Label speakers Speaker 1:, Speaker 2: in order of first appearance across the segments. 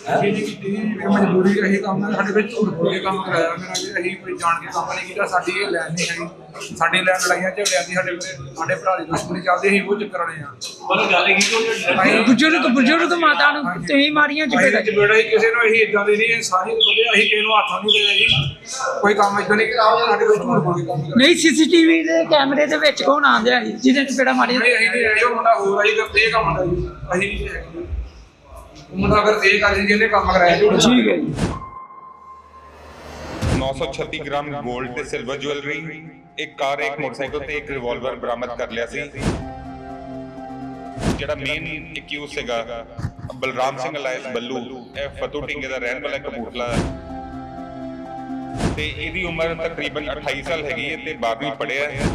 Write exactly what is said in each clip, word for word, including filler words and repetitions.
Speaker 1: ਅਸੀਂ ਨਹੀਂ ਕੀਤੀ ਜੀ, ਮਜਬੂਰੀ ਰਹੀ ਕੰਮ ਨਾਲ ਸਾਡੇ ਵਿੱਚ ਝੂਠ ਬੋਲ ਕੇ ਕੰਮ ਕਰਾਇਆ ਮੇਰਾ ਜੀ। ਅਸੀਂ ਕੋਈ ਜਾਣ ਕੇ ਕੰਮ ਨਹੀਂ ਕੀਤਾ, ਸਾਡੀ ਇਹ ਲੈਣ ਨਹੀਂ ਹੈਗੀ। ਸਾਡੀ ਲੈਣ ਲੜਾਈਆਂ ਝਗੜਿਆਂ ਦੀ ਸਾਡੇ ਸਾਡੇ ਭਰਾ ਦੀ ਦੁਸ਼ਮਣੀ ਚੱਲਦੀ ਸੀ, ਉਹ ਚੱਕਰ ਵਾਲੇ ਆ।
Speaker 2: ਮਤਲਬ ਗੱਲ ਕੀ ਕਿ
Speaker 3: ਬਜ਼ੁਰਗ ਬਜ਼ੁਰਗ ਮਾਤਾ ਨੂੰ ਤੁਸੀਂ ਮਾਰੀਆਂ ਚਪੇੜਾਂ।
Speaker 1: ਚਪੇੜਾ ਹੀ ਕਿਸੇ ਨੂੰ ਅਸੀਂ ਇਦਾਂ ਦੇ ਨਹੀਂ, ਸਾਰੀ ਬੰਦੇ ਅਸੀਂ ਕਿਸੇ ਨੂੰ ਹੱਥ ਨਹੀਂ ਦੇਣਾ ਜੀ। ਕੋਈ ਕੰਮ ਇਦਾਂ ਨਹੀਂ ਕੀਤਾ, ਸਾਡੇ ਕੋਲ ਝੂਠ ਬੋਲ ਕੇ ਕੰਮ ਕਰਾਇਆ।
Speaker 3: ਨਹੀਂ ਸੀਸੀਟੀਵੀ ਦੇ ਕੈਮਰੇ ਦੇ ਵਿੱਚ ਕੌਣ ਆਂਦਿਆ ਸੀ ਜਿਹਦੇ ਚਪੇੜਾਂ ਮਾਰੀਆਂ?
Speaker 1: ਨਹੀਂ ਅਸੀਂ ਨਹੀਂ ਆਏ, ਉਹ ਮੁੰਡਾ ਹੋਰ ਆਈ ਤੇ ਇਹ ਕੰਮ ਹੁੰਦਾ ਜੀ। ਅਸੀਂ ਨਹੀਂ ਹੈਗੇ। ਉਹ ਮੁੰਡਾ ਅਗਰ ਇਹ ਕਰ ਜਿਹਨੇ ਕੰਮ ਕਰਾਇਆ ਜੀ।
Speaker 3: ਠੀਕ ਹੈ ਜੀ।
Speaker 4: नौ सौ छत्तीस ग्राम गोल्ड ते सिल्वर ज्वेलरी, एक कार, एक मोटरसाइकिल ਤੇ ਇੱਕ ਰਿਵਾਲਵਰ ਬਰਾਮਦ ਕਰ ਲਿਆ ਸੀ। ਜਿਹੜਾ ਮੇਨ ਐਕਿਊਜ਼ ਸੀਗਾ ਬਲਰਾਮ ਸਿੰਘ ਅਲਾਇਸ ਬੱਲੂ, ਇਹ ਫਤੂ ਢਿੰਗੇ ਦਾ ਰਹਿਣ ਵਾਲਾ ਕਪੂਰਥਲਾ ਤੇ ਇਹਦੀ ਉਮਰ ਤਕਰੀਬਨ ਅਠਾਈ ਸਾਲ ਹੈਗੀ ਹੈ ਤੇ ਬਾਰਵੀਂ ਪੜ੍ਹਿਆ ਹੈ।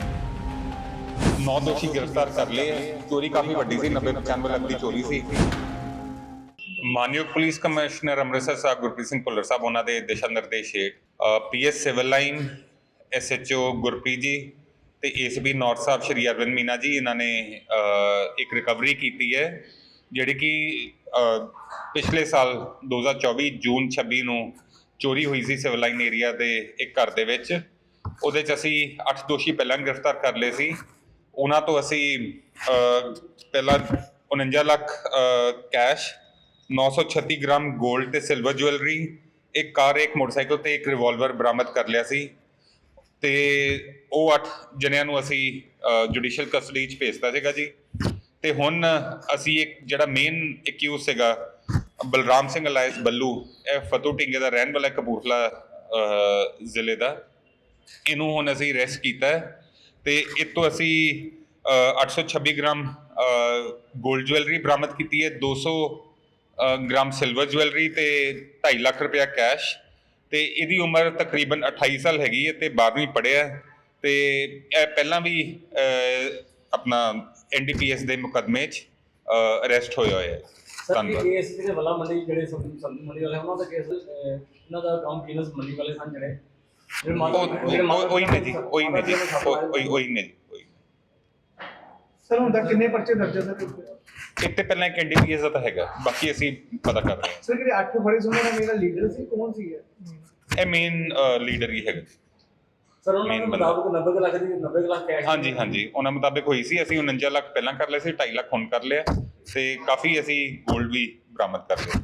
Speaker 4: ਨੌ ਦੋਸ਼ੀ ਗ੍ਰਿਫਤਾਰ ਕਰ ਲਏ ਹੈ। ਚੋਰੀ ਕਾਫੀ ਵੱਡੀ ਸੀ, ਨੱਬੇ ਪਚਾਨਵੇਂ ਲੱਖ ਦੀ ਚੋਰੀ ਸੀ। ਮਾਨਯੋਗ ਪੁਲਿਸ ਕਮਿਸ਼ਨਰ ਅੰਮ੍ਰਿਤਸਰ ਸਾਹਿਬ ਗੁਰਪ੍ਰੀਤ ਸਿੰਘ ਭੁੱਲਰ ਸਾਹਿਬ ਉਹਨਾਂ ਦੇ ਦਿਸ਼ਾ ਨਿਰਦੇਸ਼ ਹੇਠ P S civil line, S H O Gurpreet ji ਤੇ ਏਸ ਬੀ ਨਾਰਥ ਸਾਹਿਬ ਸ਼੍ਰੀ ਅਰਵਿੰਦ ਮੀਨਾ ਜੀ, ਇਹਨਾਂ ਨੇ ਇੱਕ ਰਿਕਵਰੀ ਕੀਤੀ ਹੈ ਜਿਹੜੀ ਕਿ ਪਿਛਲੇ ਸਾਲ ਦੋ ਹਜ਼ਾਰ ਚੌਵੀ ਜੂਨ ਛੱਬੀ ਨੂੰ ਚੋਰੀ ਹੋਈ ਸੀ ਸਿਵਲ ਲਾਈਨ ਏਰੀਆ ਦੇ ਇੱਕ ਘਰ ਦੇ ਵਿੱਚ। ਉਹਦੇ 'ਚ ਅਸੀਂ ਅੱਠ ਦੋਸ਼ੀ ਪਹਿਲਾਂ ਗ੍ਰਿਫਤਾਰ ਕਰ ਲਏ ਸੀ। ਉਹਨਾਂ ਤੋਂ ਅਸੀਂ ਪਹਿਲਾਂ ਉਣੰਜਾ ਲੱਖ ਕੈਸ਼, ਨੌ ਸੌ ਛੱਤੀ ਗ੍ਰਾਮ ਗੋਲਡ ਤੇ ਸਿਲਵਰ ਜੁਐਲਰੀ, ਇੱਕ ਕਾਰ, ਇੱਕ ਮੋਟਰਸਾਈਕਲ ਤੇ ਇੱਕ ਰਿਵਾਲਵਰ ਬਰਾਮਦ ਕਰ ਲਿਆ ਸੀ ਤੇ ਉਹ ਅੱਠ ਜਣਿਆਂ ਨੂੰ ਅਸੀਂ ਜੁਡੀਸ਼ੀਅਲ ਕਸਟਡੀ 'ਚ ਭੇਜਤਾ ਸੀਗਾ ਜੀ। ਤੇ ਹੁਣ ਅਸੀਂ ਇੱਕ ਜਿਹੜਾ ਮੇਨ ਐਕਿਊਜ਼ ਸੀਗਾ ਬਲਰਾਮ ਸਿੰਘ ਅਲਾਇਸ ਬੱਲੂ, ਇਹ ਫਤੂ ਢਿੰਗੇ ਦਾ ਰਹਿਣ ਵਾਲਾ ਕਪੂਰਥਲਾ ਜ਼ਿਲ੍ਹੇ ਦਾ, ਇਹਨੂੰ ਹੁਣ ਅਸੀਂ ਅਰੈਸਟ ਕੀਤਾ ਹੈ ਤੇ ਇਹ ਤੋਂ ਅਸੀਂ ਅੱਠ ਸੌ ਛੱਬੀ ਗ੍ਰਾਮ ਗੋਲਡ ਜੁਐਲਰੀ ਬਰਾਮਦ ਕੀਤੀ ਹੈ, ਦੋ ਸੌ ਗ੍ਰਾਮ ਸਿਲਵਰ ਜੁਐਲਰੀ ਤੇ ਢਾਈ ਲੱਖ ਰੁਪਇਆ ਕੈਸ਼। ਤੇ ਇਹਦੀ ਉਮਰ ਤਕਰੀਬਨ ਅਠਾਈ ਸਾਲ ਹੈਗੀ ਹੈ ਤੇ ਬਾਰਵੀਂ ਪੜ੍ਹਿਆ ਤੇ ਇਹ ਪਹਿਲਾਂ ਵੀ ਆਪਣਾ ਐਨ ਡੀ ਪੀ ਐਸ ਦੇ ਮੁਕੱਦਮੇ 'ਚ ਅਰੈਸਟ ਹੋਇਆ ਹੋਇਆ ਹੈ।
Speaker 2: ਧੰਨਵਾਦ। ਕੇਸ ਜਿਹੜੇ ਵਾਲਾ ਮੰਡੀ ਜਿਹੜੇ ਸਬਜ਼ੀ ਮੰਡੀ ਵਾਲੇ ਉਹਨਾਂ ਦਾ ਕੇਸ, ਇਹਨਾਂ ਦਾ ਕੰਮ ਪੀਨਸ ਮੰਡੀ ਵਾਲੇ ਸਨ ਜਿਹੜੇ
Speaker 4: ਉਹੀ ਨੇ ਜੀ, ਉਹੀ ਨੇ ਜੀ, ਉਹੀ ਉਹੀ ਨੇ ਜੀ।
Speaker 5: ਸਰ ਹੁਣ ਤੱਕ ਕਿੰਨੇ ਪਰਚੇ ਦਰਜ ਹੈ ਸਰ?
Speaker 4: ਇੱਕ ਤੇ ਪਹਿਲਾਂ ਇੱਕ ਐਨ ਡੀ ਪੀ ਐਸ ਦਾ ਤਾਂ ਹੈਗਾ, ਬਾਕੀ ਅਸੀਂ ਪਤਾ ਕਰ ਰਹੇ ਹਾਂ।
Speaker 5: ਸਰ ਜਿਹੜੇ ਅੱਠ ਫੜੇ ਸੀ ਉਹਨਾਂ ਦਾ ਮੇਰਾ ਲੀਡਰ ਸੀ, ਕੌਣ ਸੀ
Speaker 4: ਇਹ ਮੇਨ ਲੀਡਰ ਹੀ ਹੈਗਾ
Speaker 2: ਸਰ? ਉਹਨਾਂ ਦੇ ਮੁਤਾਬਕ ਨੱਬੇ ਲੱਖ ਦੀ ਨੱਬੇ ਲੱਖ ਕੈਸ਼।
Speaker 4: ਹਾਂਜੀ ਹਾਂਜੀ, ਉਹਨਾਂ ਮੁਤਾਬਕ ਹੋਈ ਸੀ। ਅਸੀਂ ਉਣੰਜਾ ਲੱਖ ਪਹਿਲਾਂ ਕਰ ਲਏ ਸੀ, ਢਾਈ ਲੱਖ ਹੁਣ ਕਰ ਲਿਆ ਤੇ ਕਾਫੀ ਅਸੀਂ ਗੋਲਡ ਵੀ ਬਰਾਮਦ ਕਰ ਲਿਆ।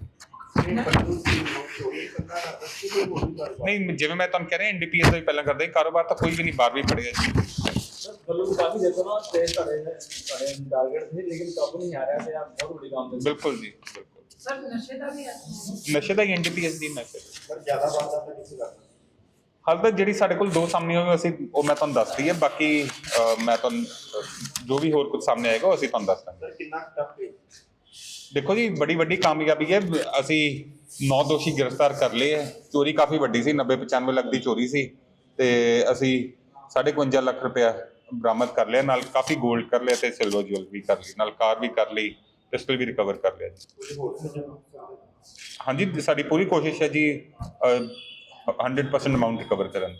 Speaker 4: ਨਹੀਂ, ਜਿਵੇਂ ਮੈਂ ਤੁਹਾਨੂੰ ਕਹਿ ਰਿਹਾ ਐਨ ਡੀ ਪੀ ਐਸ ਦਾ ਵੀ ਪਹਿਲਾਂ ਕਰਦੇ, ਕਾਰੋਬਾਰ ਤਾਂ ਕੋਈ ਵੀ ਨਹੀਂ, ਬਾਰਵੀਂ ਪੜ੍ਹਿਆ ਜੀ।
Speaker 2: ਬੱਲੂ ਕਾਫੀ ਦੇਖੋ ਨਾ ਤੇ ਤੁਹਾਡੇ ਤੁਹਾਡੇ ਟਾਰਗੇਟ ਸੀ ਲੇਕਿਨ ਕਾਬੂ ਨਹੀਂ ਆ ਰਿਹਾ ਤੇ ਆ ਬਹੁਤ ਵੱਡੀ ਕੰਮ ਦੇ।
Speaker 4: ਬਿਲਕੁਲ ਜੀ, ਬਿਲਕੁਲ।
Speaker 3: ਸਰ ਨਸ਼ੇ ਦਾ ਵੀ ਹੈ?
Speaker 4: ਨਸ਼ੇ ਦਾ ਐਨ ਡੀ ਪੀ ਐਸ ਦੀ ਨਸ਼ੇ
Speaker 5: ਪਰ ਜ਼ਿਆਦਾ ਵਾਰਦਾਤ ਤਾਂ ਕਿਸੇ ਕਰਦਾ।
Speaker 4: ਹਾਲ ਤੱਕ ਜਿਹੜੀ ਸਾਡੇ ਕੋਲ ਦੋ ਸਾਹਮਣੇ ਹੋਏ ਅਸੀਂ ਉਹ ਮੈਂ ਤੁਹਾਨੂੰ ਦੱਸਦੀ ਹੈ, ਬਾਕੀ ਮੈਂ ਤੁਹਾਨੂੰ ਜੋ ਵੀ ਹੋਰ ਕੁਝ ਸਾਹਮਣੇ ਆਏਗਾ ਉਹ ਅਸੀਂ ਤੁਹਾਨੂੰ ਦੱਸ ਦਾਂਗੇ।
Speaker 5: ਸਰ ਕਿੰਨਾ ਟਫ ਹੈ?
Speaker 4: ਦੇਖੋ ਜੀ, ਬੜੀ ਵੱਡੀ ਕਾਮਯਾਬੀ ਹੈ। ਅਸੀਂ ਨੌ ਦੋਸ਼ੀ ਗ੍ਰਿਫਤਾਰ ਕਰ ਲਏ ਹੈ। ਚੋਰੀ ਕਾਫੀ ਵੱਡੀ ਸੀ, ਨੱਬੇ ਪਚਾਨਵੇਂ ਲੱਖ ਦੀ ਚੋਰੀ ਸੀ ਤੇ ਅਸੀਂ ਸਾਢੇ ਇਕਵੰਜਾ ਲੱਖ ਰੁਪਇਆ ਬਰਾਮਦ ਕਰ ਲਿਆ, ਨਾਲ ਕਾਫੀ ਗੋਲਡ ਕਰ ਲਿਆ ਤੇ ਸਿਲਵਰ ਜੁਐਲਰੀ ਕਰ ਲਈ, ਨਾਲ ਕਾਰ ਵੀ ਕਰ ਲਈ, ਪਿਸਟਲ ਵੀ ਰਿਕਵਰ ਕਰ ਲਿਆ ਜੀ। ਹਾਂਜੀ, ਸਾਡੀ ਪੂਰੀ ਕੋਸ਼ਿਸ਼ ਹੈ ਜੀ ਹੰਡਰਡ ਪਰਸੈਂਟ ਅਮਾਊਂਟ ਰਿਕਵਰ ਕਰਨ ਦੀ।